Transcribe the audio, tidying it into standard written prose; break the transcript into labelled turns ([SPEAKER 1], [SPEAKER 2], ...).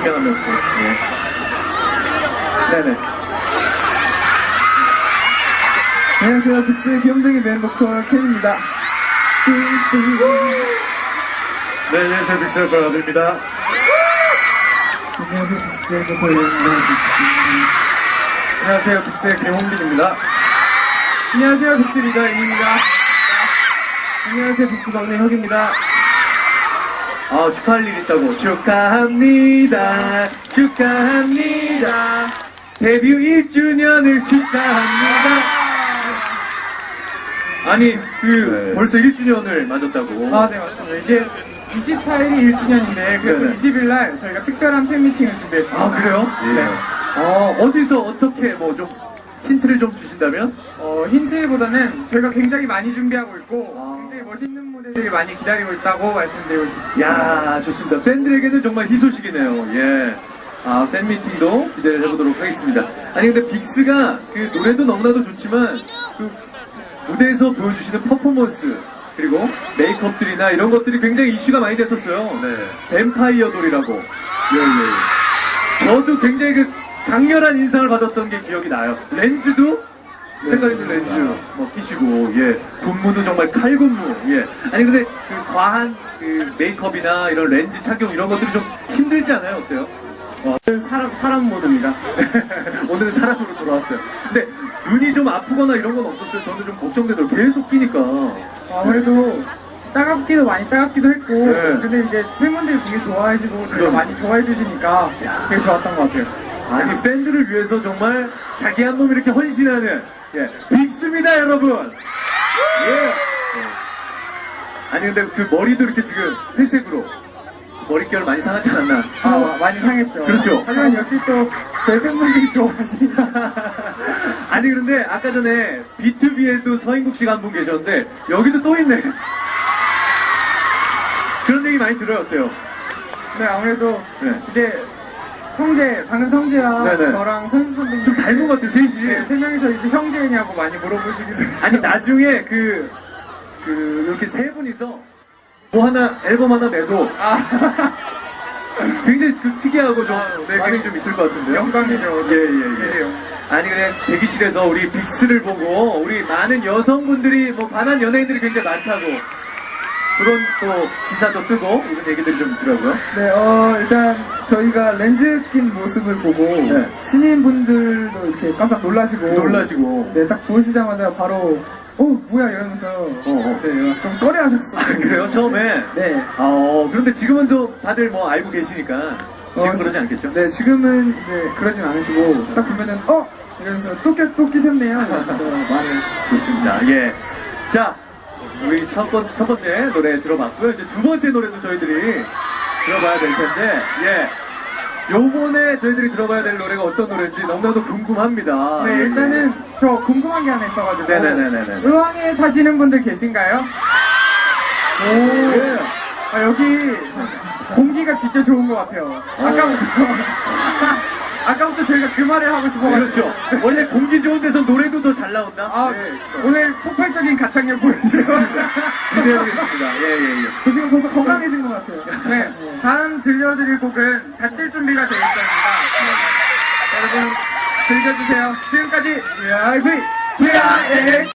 [SPEAKER 1] 명 한 명씩. 예. 네네.
[SPEAKER 2] 안녕하세요. 빅스의 귀염둥이 멤버콜 켄입니다.
[SPEAKER 1] 네, 안녕하세요. 빅스의 브라더입니다.
[SPEAKER 2] 안녕하세요. 빅스의 멤버콜 켄입니다.
[SPEAKER 1] 안녕하세요. 빅스의 김홍빈입니다.
[SPEAKER 2] 안녕하세요. 빅스 리더 인입니다. 안녕하세요. 빅스 막내 혁입니다.
[SPEAKER 1] 아, 축하할 일 있다고. 축하합니다. 축하합니다. 데뷔 1주년을 축하합니다. 아니, 벌써 1주년을 맞았다고.
[SPEAKER 2] 아, 네, 맞습니다. 이제 24일이 1주년인데, 그래서
[SPEAKER 1] 네네.
[SPEAKER 2] 20일날 저희가 특별한 팬미팅을 준비했습니다.
[SPEAKER 1] 아, 그래요?
[SPEAKER 2] 네.
[SPEAKER 1] 어디서 어떻게 뭐 좀 힌트를 좀 주신다면?
[SPEAKER 2] 힌트보다는 저희가 굉장히 많이 준비하고 있고,
[SPEAKER 1] 아.
[SPEAKER 2] 굉장히 멋있는 무대들이 많이 기다리고 있다고 말씀드리고 싶습니다.
[SPEAKER 1] 야, 좋습니다. 팬들에게는 정말 희소식이네요. 예. 아, 팬미팅도 기대를 해보도록 하겠습니다. 아니, 근데 빅스가 그 노래도 너무나도 좋지만, 그 무대에서 보여주시는 퍼포먼스, 그리고 메이크업들이나 이런 것들이 굉장히 이슈가 많이 됐었어요. 네. 뱀파이어 돌이라고. 예. 저도 굉장히 그 강렬한 인상을 받았던 게 기억이 나요. 렌즈도 색깔 있는 렌즈 뭐 끼시고, 예. 군무도 정말 칼군무, 예. 아니, 근데 그 과한 그 메이크업이나 이런 렌즈 착용 이런 것들이 좀 힘들지 않아요? 어때요?
[SPEAKER 2] 사람 모드입니다.
[SPEAKER 1] 오늘은 사람으로 돌아왔어요. 근데 눈이 좀 아프거나 이런 건 없었어요? 저는 좀 걱정되더라고요. 계속 끼니까.
[SPEAKER 2] 아무래도 많이 따갑기도 했고,
[SPEAKER 1] 네.
[SPEAKER 2] 근데 이제 팬분들이 되게 좋아해주고, 저희가
[SPEAKER 1] 그럼.
[SPEAKER 2] 많이 좋아해주시니까 되게 좋았던 것 같아요.
[SPEAKER 1] 아니, 팬들을 위해서 정말 자기 한 몸 이렇게 헌신하는, 예, 빅스입니다, 여러분! 예! 아니, 근데 그 머리도 이렇게 지금 회색으로, 머릿결 많이 상하지 않았나?
[SPEAKER 2] 많이 상했죠.
[SPEAKER 1] 그렇죠.
[SPEAKER 2] 하지만 역시 또 저희 팬분들이 좋아하시니까.
[SPEAKER 1] 아니, 그런데 아까 전에 B2B에도 서인국 씨가 한 분 계셨는데, 여기도 또 있네. 그런 얘기 많이 들어요, 어때요?
[SPEAKER 2] 네, 아무래도
[SPEAKER 1] 네.
[SPEAKER 2] 이제 방금 성재랑
[SPEAKER 1] 네네.
[SPEAKER 2] 저랑 서인 선배님
[SPEAKER 1] 좀 닮은 것 같아요, 셋이.
[SPEAKER 2] 네, 세 명이서 이제 형제냐고 많이 물어보시기도 해요.
[SPEAKER 1] 아니, 나중에 이렇게 세 분이서 뭐 하나, 앨범 하나 내도, 굉장히 특이하고 좀, 반응이 좀 있을 것 같은데요?
[SPEAKER 2] 영광이죠.
[SPEAKER 1] 예. 아니, 그냥 대기실에서 우리 빅스를 보고, 우리 많은 여성분들이, 뭐, 반한 연예인들이 굉장히 많다고, 그런 또 기사도 뜨고, 이런 얘기들이 좀 있더라고요.
[SPEAKER 2] 네, 일단 저희가 렌즈 낀 모습을 보고
[SPEAKER 1] 네.
[SPEAKER 2] 신인분들도 이렇게 깜짝 놀라시고 네, 딱 보시자마자 바로 뭐야 이러면서 네, 좀 꺼려하셨어요.
[SPEAKER 1] 그래요? 처음에?
[SPEAKER 2] 네.
[SPEAKER 1] 그런데 지금은 좀 다들 뭐 알고 계시니까, 지금 그러지 않겠죠?
[SPEAKER 2] 네, 지금은 이제 그러진 않으시고 딱 보면은 이러면서 또 끼셨네요. 이러면서 말을.
[SPEAKER 1] 좋습니다. 예. 자, 우리 첫 번째 노래 들어봤고요. 이제 두 번째 노래도 저희들이 들어봐야 될 텐데, 예. 요번에 저희들이 들어봐야 될 노래가 어떤 노래인지 너무나도 궁금합니다.
[SPEAKER 2] 네,
[SPEAKER 1] 예.
[SPEAKER 2] 일단은 저 궁금한 게 하나 있어가지고.
[SPEAKER 1] 네네네네.
[SPEAKER 2] 의왕에 사시는 분들 계신가요?
[SPEAKER 1] 예.
[SPEAKER 2] 여기 공기가 진짜 좋은 것 같아요. 아까부터 저희가 그 말을 하고 싶어가지고.
[SPEAKER 1] 그렇죠. 원래 공기 좋은 데서 노래도 더 잘 나온다?
[SPEAKER 2] 네, 오늘 폭발적인 가창력 보여주셨습니다.
[SPEAKER 1] 기대해보겠습니다. 예.
[SPEAKER 2] 저 지금 벌써 건강해진 것 같아요. 네, 다음 들려드릴 곡은 다칠 준비가 되어 있습니다. 여러분 즐겨주세요. 지금까지 VIV